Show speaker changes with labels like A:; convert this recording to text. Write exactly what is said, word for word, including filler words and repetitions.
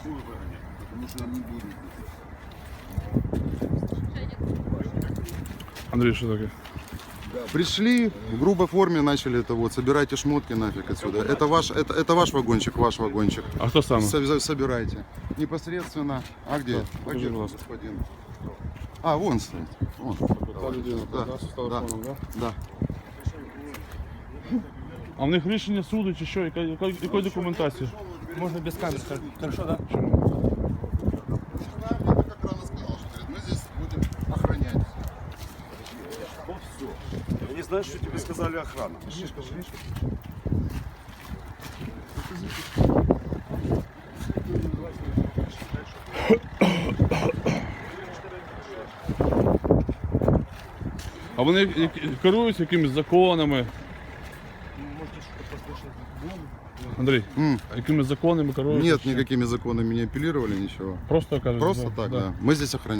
A: Что вы выгоняете? Потому что мы будем.
B: Андрій, що таке?
C: Пришли, в грубой форме начали это вот, собирайте шмотки нафиг отсюда. Это ваш, это, это ваш вагончик, ваш вагончик.
B: А хто саме?
C: Со- Собирайте. Непосредственно. А где? А
B: Покажи,
C: где
B: пожалуйста.
C: господин? А, вон стоит. Вон.
B: Та людина,
C: Да,
B: да, з телефоном, да?
C: Да.
B: А в них рішення суду чи що? Яка, яка, якої документації?
D: Можно без камер, хорошо, да?
C: Я как рано сказал, что говорит, мы здесь будем охранять.
A: Вот все. Я не знаю, что тебе сказали охрана.
B: А вони які- керуються якимись законами? Андрій,
C: М.
B: а якими законами керуються?
C: Нет,
B: чи-
C: никакими законами не апеллировали, ничего.
B: Просто кажуть.
C: Просто
B: да,
C: так,
B: да.
C: да. Мы здесь охраняем.